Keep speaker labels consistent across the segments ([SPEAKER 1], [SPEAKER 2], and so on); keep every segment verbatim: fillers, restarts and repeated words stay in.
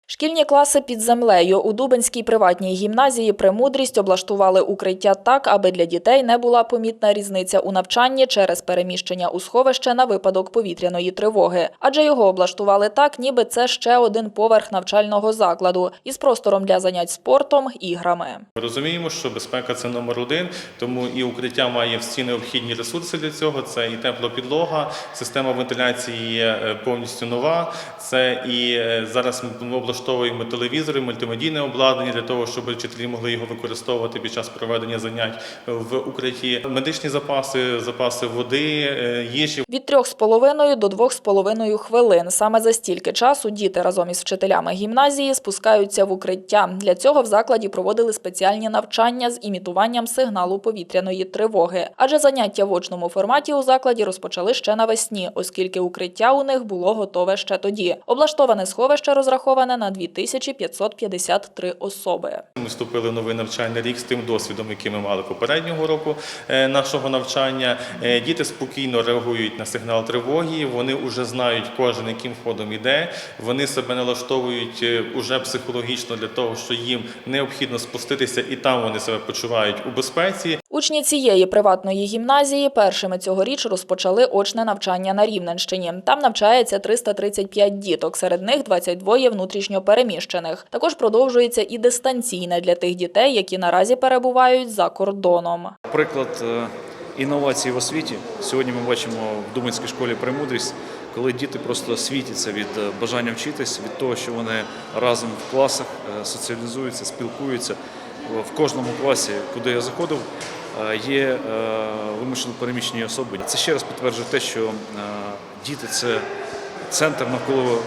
[SPEAKER 1] Шкільні класи під землею. У Дубенській приватній гімназії «Премудрість» облаштували укриття так, аби для дітей не була помітна різниця у навчанні через переміщення у сховище на випадок повітряної тривоги. Адже його облаштували так, ніби це ще один поверх навчального закладу із простором для занять спортом, іграми.
[SPEAKER 2] Ми розуміємо, що безпека – це номер один, тому і укриття має всі необхідні ресурси для цього. Це і тепла підлога, система вентиляції є повністю нова, це і зараз ми облаштовуємо Влаштовуємо телевізори, мультимедійне обладнання для того, щоб вчителі могли його використовувати під час проведення занять в укритті. Медичні запаси, запаси води, їжі.
[SPEAKER 1] Від трьох з половиною до двох з половиною хвилин. Саме за стільки часу діти разом із вчителями гімназії спускаються в укриття. Для цього в закладі проводили спеціальні навчання з імітуванням сигналу повітряної тривоги. Адже заняття в очному форматі у закладі розпочали ще навесні, оскільки укриття у них було готове ще тоді. Облаштоване сховище розраховане на дві тисячі п'ятсот п'ятдесят три особи.
[SPEAKER 2] Ми вступили в новий навчальний рік з тим досвідом, який ми мали попереднього року нашого навчання. Діти спокійно реагують на сигнал тривоги, вони вже знають кожен, яким ходом іде, вони себе налаштовують уже психологічно для того, що їм необхідно спуститися і там вони себе почувають у безпеці.
[SPEAKER 1] Учні цієї приватної гімназії першими цьогоріч розпочали очне навчання на Рівненщині. Там навчається триста тридцять п'ять діток, серед них двадцять два внутрішньо переміщених. Також продовжується і дистанційне для тих дітей, які наразі перебувають за кордоном.
[SPEAKER 3] Приклад інновацій в освіті. Сьогодні ми бачимо в Дубенській школі «Премудрість», коли діти просто світяться від бажання вчитись, від того, що вони разом в класах соціалізуються, спілкуються. В кожному класі, куди я заходив, є вимушено переміщені особи. Це ще раз підтверджує те, що діти – це центр, навколо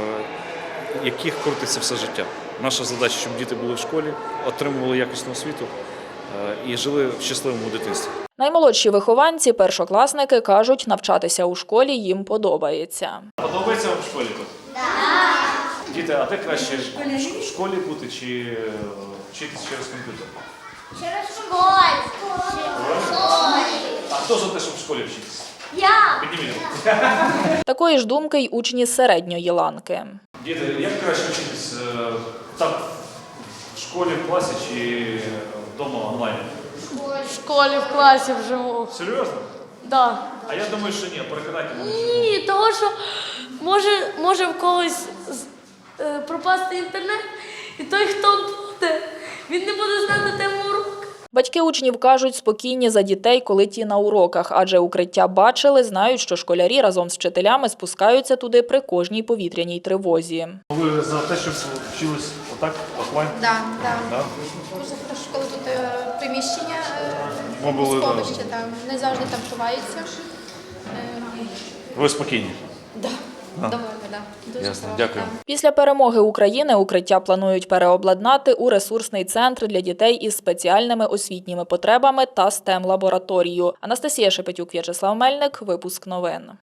[SPEAKER 3] яких крутиться все життя. Наша задача, щоб діти були в школі, отримували якісну освіту і жили в щасливому дитинстві.
[SPEAKER 1] Наймолодші вихованці, першокласники, кажуть, навчатися у школі їм подобається.
[SPEAKER 3] Подобається вам в школі тут? Так. Діти, а де краще в школі бути чи вчитися через комп'ютер?
[SPEAKER 4] Через школу.
[SPEAKER 3] А хто за те, щоб в школі вчитися?
[SPEAKER 4] Я.
[SPEAKER 3] Підніміть.
[SPEAKER 1] Такої ж думки й учні середньої ланки.
[SPEAKER 3] Діти, як краще вчитись? Так, в школі, в класі чи вдома онлайн?
[SPEAKER 4] В школі, в класі вживу.
[SPEAKER 3] Серйозно?
[SPEAKER 4] Да.
[SPEAKER 3] А я думаю, що ні, переконайте мене.
[SPEAKER 4] Ні, того що може, може в когось е, пропасти інтернет, і той, хто буде, він не буде знати тему уроку.
[SPEAKER 1] Батьки учнів кажуть, спокійні за дітей, коли ті на уроках, адже укриття бачили, знають, що школярі разом з вчителями спускаються туди при кожній повітряній тривозі.
[SPEAKER 3] Ви за те, щоб вчились отак, офлайн?
[SPEAKER 5] Так, так.
[SPEAKER 3] Да?
[SPEAKER 5] Дуже хорошо, коли тут е, приміщення,
[SPEAKER 3] Ми були,
[SPEAKER 5] сховище, там, не завжди там ховаються. Е,
[SPEAKER 3] Ви спокійні?
[SPEAKER 5] да. Доволі, да. Дуже
[SPEAKER 3] Ясно,
[SPEAKER 5] хорошо,
[SPEAKER 3] дякую.
[SPEAKER 5] да.
[SPEAKER 1] Після перемоги України укриття планують переобладнати у ресурсний центр для дітей із спеціальними освітніми потребами та стем-лабораторію. Анастасія Шепетюк, В'ячеслав Мельник, випуск новин.